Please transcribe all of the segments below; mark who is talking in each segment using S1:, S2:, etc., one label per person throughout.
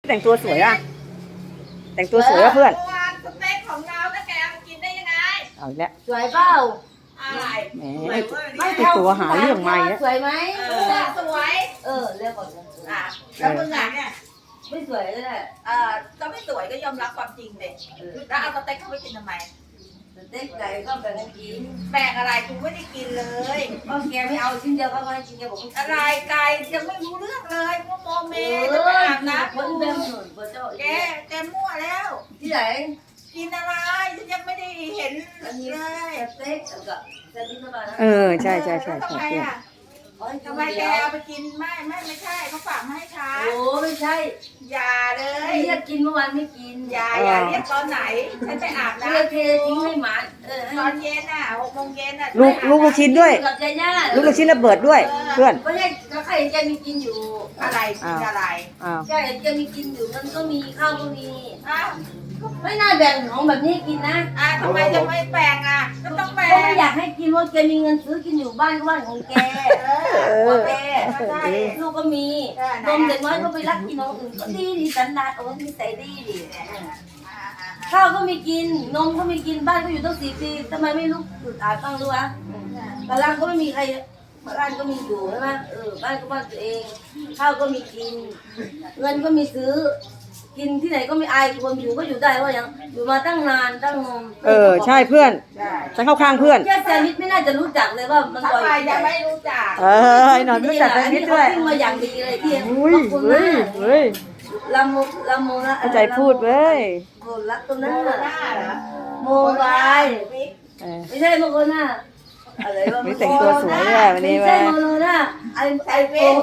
S1: แต่งตัวสวยอ่ะแต่งตัวสวยอ่ะเพื่อน
S2: สเต็กของเราถ้าแกมากินได้ยังไง
S1: เอาอีกแล้ว
S3: สวยเปล่า
S2: อะไร
S1: แหมไม่ตัวหาเรื่องใหม่นะ
S3: สวยไหม
S2: สวย
S3: เรียกก่อน
S2: แล้วมึงอ่ะเนี่ย
S3: ไม่สวยเลย
S2: ก็ไม่สวยก็ยอมรับความจริงเด็กแล้วเอาสเต็กเข้าไปกินทำไม
S3: สเต็กไก่ก็แบ่งกันกิน
S2: แบ่งอะไรกูไม่ได้กินเลย
S3: ก็แกไม่เอาชิ้นเดียวก็ไม่ชิ้นเดียวผม
S2: อะไรไก่ยังไม่รู้เรื่องเลยมึงโมเมจะไปอาบน้ำ
S3: คนเดิมหนุนคนเจ้า
S2: แกมั่วแล้ว
S3: ที่ไหน
S2: กินอะไรฉันยังไม่ได้เห็น
S3: เลยสเต็กกับสเต็กธรรมดา
S1: ใช่
S2: ทำไมอ่ะทำไมแกเอาไปกินไม่ใช่เขาฝากมาให้ฉัน
S3: โอ้ไม่ใช่
S2: อย่าเลย
S3: เรียกกินเมื่อวานไม่กิน
S2: อย่าเรียกตอนไหนฉันไปอาบน้
S3: ำเททิ้งให้หมา
S2: ตอนเย็น6 โมงเย็น
S1: ลูกชิ้นด้วยลูกชิ้นระเบิดด้วยเพื่อน
S3: ไม่ใช่ใครจะมีกินอยู่
S2: อะไรกินอะไร
S3: ใช่จะมีกินอยู่มันก็มีข้าวก็มีไม่น่าแบ่งของแบบนี้กินนะ
S2: ทำไมจะไม่แบ่งก็ต้องแบ่ง
S3: ก็ไม่อยากให้กินว่าแกมีเงินซื้อกินอยู่บ้านก็บ้านของแกแกลูกก็มีนมเด็กน้อยก็ไปรักกินนมอื่นก็ดีสันดานโอ้ยใส่ดีข้าวก็มีกินนมก็มีกินบ้านก็อยู่ตั้ง4 ปีทำไมไม่ลุกตื่นอาบบ้างรู้วะบ้านก็ไม่มีใครบ้านก็มีอยู่ใช่ไหมบ้านก็บ้านตัวเองข้าวก็มีกินเงินก็มีซื้อกินที่ไหนก็ไม่อายคนอยู่ก็อยู่ได้ว่าอย่างอยู่มาตั้งนานตั้ง
S1: ใช่เพื่อนฉันเข้าข้างเพื่อน
S3: แค่แซมิดไม่น่าจะรู้จักเลยว่ามัน
S2: บ่อยยังไม่รู้จัก
S1: ไอ้หน่อยไม่รู้จักแซมิดด้วย
S3: มาอย่างดีเลยที่
S1: ขอบคุณนะ
S3: ลำโมนะ
S1: ใจพูดเว้ย
S3: โมรักตัวนั้นโมบายไม่ใช่โมโกน่าอะไรวะ
S1: ไม่แต่งตัวสวยเลยวันนี้
S3: ไม่ใช่โมโนน่าไอโฟน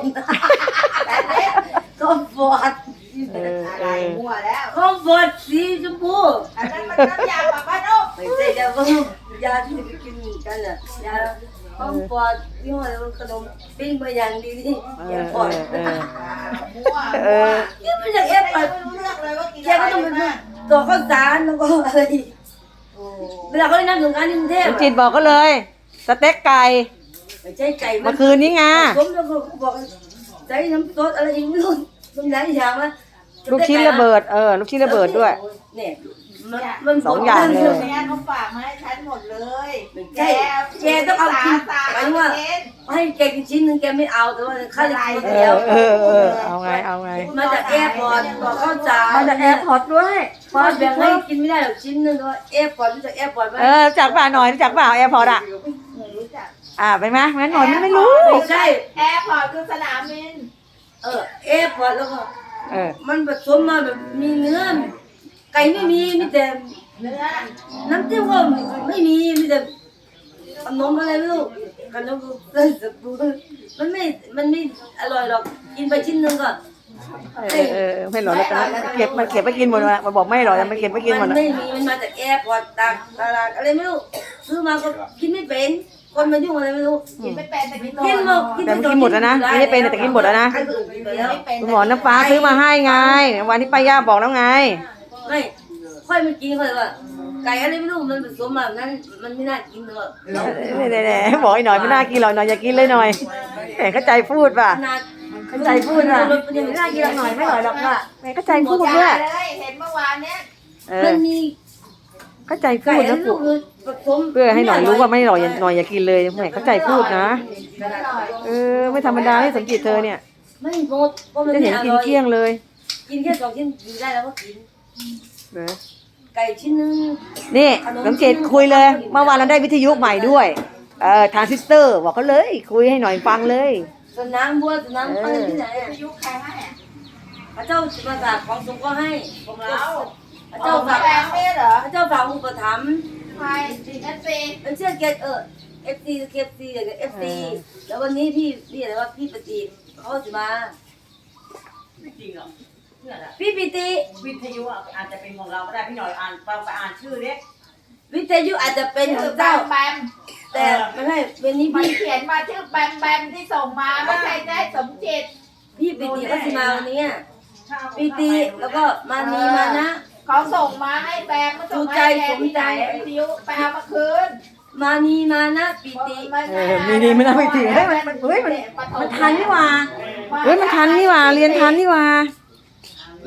S3: ก็ฟอร์ด
S2: อะไรมั่วแล้ว
S3: คอมฟอร์ตสีชมพู
S2: อันนั้นมันน้ำยาปะป้านุ๊ก
S3: ไม่ใช่ยาบ้ายาที่ไปกินกันน่ะยาคอมฟอร์ตยี่ห้ออะไรขนมปิ้งมาอย่างดีนี่ยาฟอร์ต
S2: มั่ว
S3: นี่มันจากเอฟไป
S2: ไม่รู้เรื่องเลยว่ากิน
S3: แกก็ต้องเป็นตัวข้าวสารแล้วก็อะไรเวลาเขาได้นั่งถึงการกรุงเทพ
S1: จิตบอกก็เลยสเต็กไก่
S3: ไม่ใช่ไก่
S1: เมื่อคืนนี้ไง
S3: ผมแล้วก็บอกใส่น้ำซอสอะไรอีกไม่รู้มันหลายอย่างนะ
S1: ลูกชิ้นระเบิดลูกชิ้นระเบิดด้วย
S3: เนี่ยมัน
S1: 2 อย่างเลย
S2: เขาฝากมาให้ฉันหมดเลย
S3: แกต้องเอากินหมายว่าให้แกกินชิ้นนึงแกไม่เอาแต่ว่าข้าวจะกินเดียว
S1: เอาไง
S3: มาจากแอร์พอร์ตบอกเข้าใจ
S1: มาจากแอร์พอร์ตด้วย
S3: พอแบ่งให้กินไม่ได้หรอกชิ้นนึงก็แอร์พอร์ตรู้จักแอร์พอร์ตไหม
S1: จากป่าหน่อยจากป่าแอร์พอร์ตไปไหมงั้นหน่อยไม่รู้
S3: ไม่ใช่
S2: แอร์พอร์ตคือสนามบิน
S3: แอร์พอร์ตแล้วก็มันผสมมาแบบมีเนื้อไก่ไม่มีแต่
S2: เนื้อ
S3: น้ำจิ้มก็ไม่มีแต่ขนมอะไรไม่รู้ขนมเลยสบู่มันไม่อร่อยหรอกกินไปชิ้นนึงก็
S1: ไม่อร่อยแล้วเก็บไปกินหมดละมาบอกไม่อร่อยมันเก็บไปกินหมด
S3: มันไม่มีมันมาจากแอร์พอร์ตตลาดอะไรไม่รู้ซื้อมาก็กินไม่เป็นคนมายุ่งอะไรไม่รู้
S2: กินไม่เป็นแต่กิน
S1: หมดแล้วนะไม่ได้เป็นแต่กินหมดแล้วนะคุณหมอน้ำฟ้าซื้อมาให้ไงวันที่ป้าย่าบอกแล้วไง
S3: ไม่ค่อยมากินค่อยว่าไก่อะไรไม่รู้มันผสมแบบนั้นมันไม่น่ากินเลย
S1: บอกหน่อยไม่น่ากินหรอกหน่อยอย่ากินเลยหน่อยแต่เข้าใจพูดป่ะเข้าใจพูดป่ะไม่น่ากินหน่อยไม่อร่อยหรอกป่ะเข้าใจพูดด้วย
S2: เห็นเมื่อวานเนี้ย
S3: มันมี
S1: เข้าใจพูดนะเพื่อให้หน่อยรู้ว่าไม่อร่อยหน่อยอย่ากินเลยไม่เข้าใจพูดนะไม่ธรรมดาให้สังเกตเธอเนี่ย
S3: ไม่หมด
S1: จะเห็นกินเกลี้ยงเลย
S3: กินแค่2 ชิ้นกินได้แล้วก็กินไก่ชิ้นนึง
S1: นี่สังเกตคุยเลยเมื่อวานเราได้วิทยุใหม่ด้วยทรานซิสเตอร์บอกเขาเลยคุยให้หน่อยฟังเลย
S3: สนามบัวสนามอะไรที่ไหน
S2: วิทยุใครให้
S3: พระเจ้าประสาทของสงฆ์ก็ให้
S2: ของเรา
S3: พระเจ้าฝาก
S2: เหรอ
S3: พระเจ้าฝากอุปถัมภ์
S2: ใครFC
S3: เป็นเชื่อเกตFC อย่างเงี้ย FC แล้ววันนี้พี่อะไรว่าพี่ปฏิเขาจะมา
S2: ไม่จริงหรอ
S3: พี่ปิติ
S2: วิทยุอาจจะเป็นของเราก็ได้พี่หน่อยไปอ่านชื่อเด็ก
S3: วิทยุอาจจะเป็นของเจ้า
S2: แบม
S3: แต่ไม่ใช่เป็นนี้
S2: พี่เขียนมาชื่อแบมที่ส่งมาไม่ใช่ได้สมจิต
S3: พี่ปิติเขาจะมาวันนี้ปิติแล้วก็มานีมานะ
S2: เขาส่งมาให้แบมมาส่งให้แกที่ไหนวิทยุไปเอามาคืน
S3: มานีมานะปิติ
S1: มีนีไม่น่าปิติมันทันนี่ว่ามันทันนี่ว่าเรียนทันนี่ว่า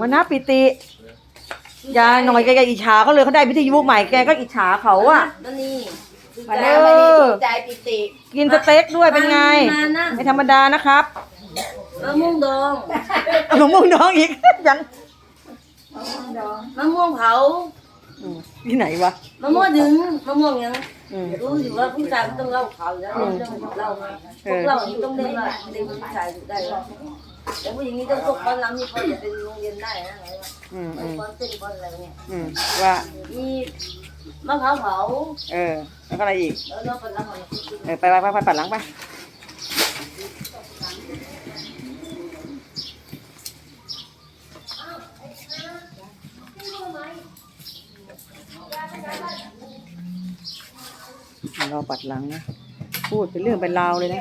S1: มันน่าปิติยาหน่อยแกอิจฉาเขาเลยเขาได้วิทยุใหม่แกก็อิจฉาเขาอะ
S3: นั่นนี่
S2: มาแล้วไม่ได้ถูกใจปิติ
S1: กินสเต็กด้วยเป็นไง
S3: มานะ
S1: ไม่ธรรมดานะครับ
S3: มะม่วงดอง
S1: เอามะม่วงน้องอีก ยัง
S3: มะม่วงเผา
S1: ที่ไหนวะ
S3: มะม่วงดึงมะม่วงยัง
S1: อืม
S3: รู้อยู่ว่าผู้ชายมันต้องเล่าข่าวอยู่แล้วเรื่องเล่าพวกเรานี่ต้องเล่นว่าเด็กผู้ชายอยู่ได้แล้วแต่ผู้หญิงนี่ต้องตกความน้ำนี่พอจะเป็นโรงเรียนได้นะไงวะ
S1: อืม
S3: ไอ้ก้อนเต้นก้อนอะไรเนี่ย
S1: ว่า
S3: มีมะพร้าวเผา
S1: แล้วก็อะไรอีก
S3: แล้วเราเป็นอะไร
S1: ไปปัดหลังไปรอปัดหลังนะพูดเป็นเรื่องเป็นราวเลยนะ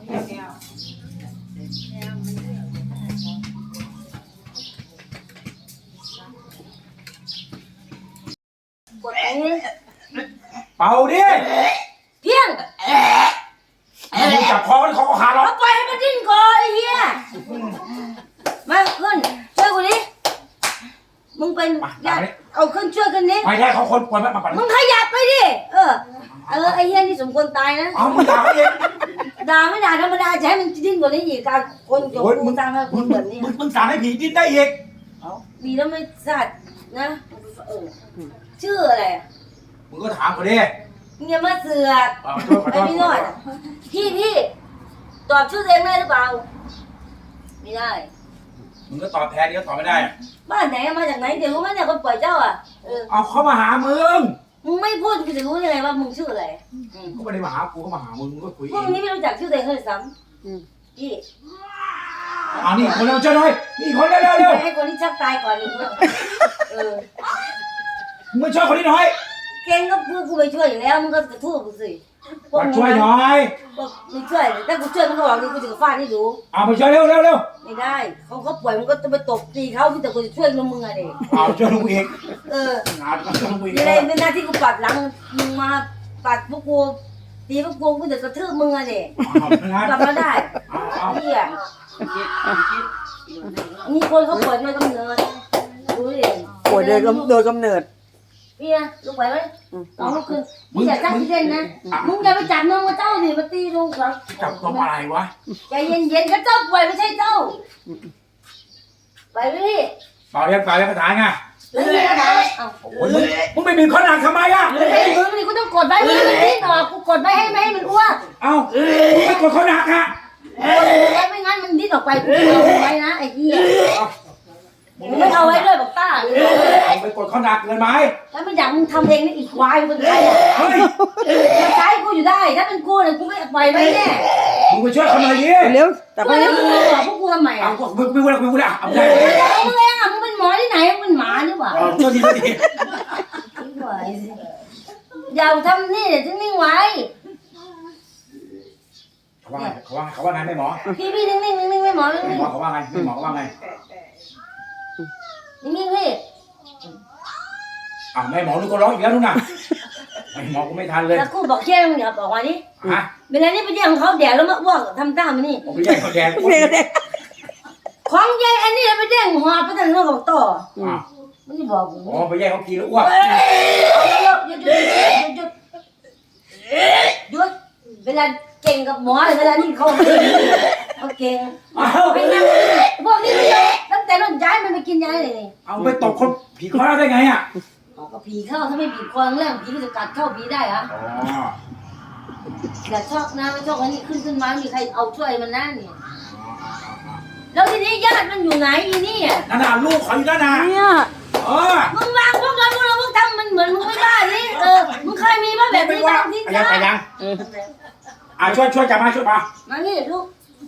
S3: กดตรงนี้
S4: เป่าดิ
S3: เพี้ยง
S4: มึงจับคอมันคอขาดหรอก
S3: เอาปล่อยให้มันดิ้นก่อนไอ้เหี้ยมาขึ้นช่วยกูดิมึงเป็นญาติเอาขึ้นช่วยกันดิ
S4: ไม่ใช่เขาคนป่วยมาปั่น
S3: มึงขยับไปดิไอ้เหี้ยนี่สมควรตายนะ
S4: เอามึงด่าเขาเอง
S3: ด่าไม่ด่าธรรมดาจะให้มันดิ้นกว่านี้อีกการคนโยนมึงสร้างให้คนแบบนี้
S4: มึงสั่งให้ผีดิ้นได้อีก
S3: ดีแล้วไม่สัตว์นะชื่ออะไร
S4: มึงก็ถามเขาดิ
S3: มึงอย่ามาเสือก
S4: ขอโทษขอโท
S3: ไอ้
S4: ษ
S3: พี่น้อยพี่ตอบชื่อตัวเองได้หรือเปล่าไม่ได้
S4: มึงก็ตอบแทนเดี๋ยวตอบไม่ได้
S3: บ้านไหนมาจากไหนเดี๋ยวรู้ไหมเนี่ยคนปล่อยเจ้าอ่ะ
S4: เอาเขามาหามึง
S3: มึงไม่พูดกูจะรู้ยังไงว่ามึงชื่ออะไร
S4: เขาไม่ได้มาหากูเขามาหามึงมึงก็คุย
S3: พ
S4: เอ
S3: วก
S4: ง
S3: นี้ไม่รู้จักชื่อตัวเองเลยซ้ำพี่
S4: เอานี่คนเร็วเจ้าหน่อยนี่คนเร็วเร็ว
S3: ให้คนที่ชักตายก่อนอีกเออ
S4: มึงมาช่วยคนนี้หน่อย
S3: เก่งก็กูไปช่วยอยู่แล้วมึงก็กระทู้กูสิ
S4: มาช่วยหน่อย
S3: มึงช่วยถ้ากูช่วยมึงก็บอกนี่กูจะฟาดให้ดู
S4: เอามาช่วยเร็วเร็วเร็ว
S3: ไม่ได้เขาป่วยมึงก็จะไปตบตีเขาพี่แต่กูจะช่วยมึงอะเด็ก
S4: เอาช่วยลุงอีก
S3: เออ
S4: เอาช่วยลุงอีก
S3: มีอะไรเป็นหน้าที่กูปัดหลังมึงมาปัดพวกกูตีพวกกูจะกระทืบมึงอะเด็ก
S4: เอางั้น
S3: กลับมาได้
S4: เอา
S3: เฮียมีคนเขาป่วยมากำเนิดดูดิ
S1: ป่วยโดยกำเนิด
S3: พี่นะลูกไหวไหมน้องลูกคือมึงอย่าจ้างพี่เล่นนะมึงอย่าไปจับน้องกับเจ้าดิมาตีลูกเขา
S4: จับตัวอะไรวะ
S3: ใจเย็นๆก็เจ้าป่วยไม่ใช่เจ้าไปพี่
S4: เปล่าเรียกกระถางไง
S3: ไม่มีปัญหาเอ้า
S4: โอ้ยมึงไม่มีข้อหนักทำไมอ่ะ
S3: ไอ้มือมันกูต้องกดไว้ไม่ให้มันดิ้นออกกูกดไว้ให้ไม่ให้มันอ้วก
S4: เอ้ามึงไม่กดข้อหนักอ่ะ
S3: ไม่งั้นมันดิ้นออกไปกูเอาไว้นะไอ้เหี้ยมึงไม่เอาไว้ด้วยบอกป้า
S4: ไปกดข้อหนักเกินไหม
S3: ถ้าไม่อยากมึงทำเองนี่อีกควายมึงใช่อ่ะ
S4: เฮ้ย
S3: มันใช้กูอยู่ได้ถ้าเป็นกูเนี่ยกูไม่ปล่อยไว้แน่
S4: มึงไปช่วยเขาหน่อยดิ
S1: เร็วแต่
S3: กู
S1: ก็
S3: แล้
S1: เร็
S3: ว
S1: ว
S3: มึงบอกพวกกูทำไม
S4: เอา
S3: อ่ะ
S4: มึงไม่พูดแล้วเอาได้
S3: มึงเองอ่ะมึงเป็นหมอที่ไหนมึงเป็นหมาหรือเปล่า
S4: เจ้าทีเจ้าที
S3: อย่าทำนี่เดี๋ยวจะนิ่งไว้
S4: เขาว่าไงเขาว่าไงไม่หมอ
S3: พี่นิ่งไม่หมอนิ่ง
S4: หมอเขาว่าไงไม่หมอเขาว่าไง
S3: นิ่งพี่
S4: อ่ะแม่หมอลูกก็ร้องอีกแล้วนู่นน่ะไม่หมอกูไม่ทันเลย
S3: แล้วกูบอกเชี่ยมึงอย่าบอกว่านี่
S4: ฮะ
S3: เวลานี้ไปเรียกของเขาแดดแล้วมาอ้วกทำตามมันนี่
S4: ผมไปแย่งเขาแดง
S1: เร็วเร็ว
S3: ของยายอันนี้ไปแจ้งหอบไปทางโน้นของต่อ
S4: อ่ะ
S3: ไม่ได้บอกกู
S4: อ๋อไปแย่งเขากินแล้วอ้วก
S3: หยุดเวลาเก่งกับหมอเวลานี่เขาเก่ง
S4: เอา
S3: ไปนั่งพวกนี้ไม่ได้ตั้งแต่รุ่นย้ายมันไปกินยาเลย
S4: เอาไปตบคนผีคอได้ไงอ่ะ
S3: ก็ผีเข้าถ้าไม่บีบคอแรกผีก็จะกัดเข้าผีได้ฮะ
S4: อ๋อ
S3: อย่าชอบนะไม่ชอบอันนี้ขึ้นมามีใครเอาช่วยมันนั่นนี่แล้วทีนี้ญาติมันอยู่ไหนอีนี่อ่ะ
S4: นั่นน่ะลูกเขาอยู่นั่นน่ะ
S1: เนี่ย
S3: มึงวางพวกเราพวกทำมันเหมือนมึงไม่ได้นี่มึงเคยมีป่ะแบบนี้บ้างที่
S4: ยัง
S3: จ้า
S4: แต่ยังช่วยจับมาช่วยมา
S3: มานี่ลูก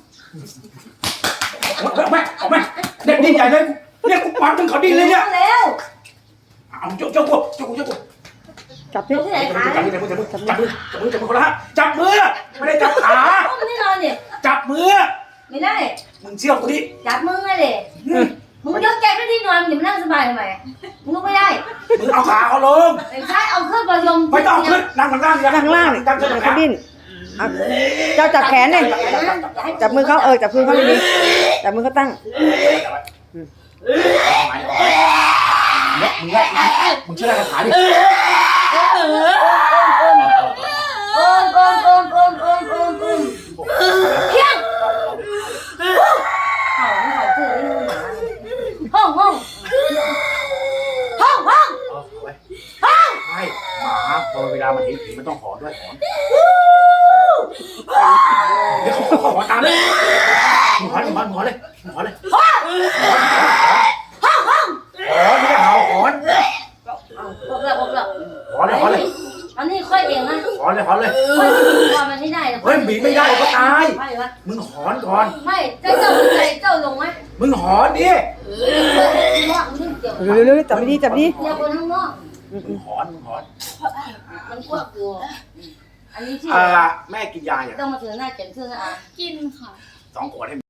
S4: ออกมาเด็กดิ้นใหญ่เลยเนี่ยกูปัดมึงเขาดิ้นเลยเนี่ย
S3: แล้ว
S4: เอาเจ้ากู
S1: จับที่
S3: ที่ไหนขา
S4: จับมือคนละจับมือไม่ได้จับขา
S3: ต้มนี่นอนเนี่ย
S4: จับมือ
S3: ไม่ได้
S4: มึงเชื่อกูดิ
S3: จับมึงเลยมึงยกแกไปที่นอนมึงอย่ามานั่งสบายทำไมมึงลุกไม่ได้
S4: มึงเอาขาเขาลง
S3: ไอ้ชายเอาเครื่องประยม
S4: ไม่ต้องขึ้นนั่งข้างล่าง
S1: ข้างล่าง
S4: จับ
S1: เขาดิ้นเจ้าจับแขนเลยจับมือเขาจับมือเขาดีๆจับมือเขาตั้ง
S4: เมึงเชื่อคาถาดิ
S3: โอมเพียงเขาคือไอ้งูหมาห้อง
S4: ไม่หมาพอเวลามันเห็นผีมันต้องหอนด้วยหอนเดี๋ยวเขาหอนตามเลยหอนเลยหอนไม่ได้เห่าหอน
S3: บอกแล้ว
S4: หอนเลย
S3: อันนี้ค่อยเองนะ
S4: หอนเลย
S3: ค่อยบีบคอมันไม่ได้
S4: เฮ้ยบีบไม่ได้ก็ตาย
S3: ไม่วะ
S4: มึงหอนก่อน
S3: ไม่เจ้าลงไหม
S4: มึงหอนดิ
S1: เร็วๆจับดีจับดี
S3: เดี๋ยวคนข้างนอก
S4: มึงหอน
S3: มันกว้างอยู่อันนี้ที่
S4: แม่กินยาอย่าง
S3: ต้องมาถึงหน้าเจ็บชื่อนะอ่ะ
S5: กินค่ะ
S4: 2 ขวดให้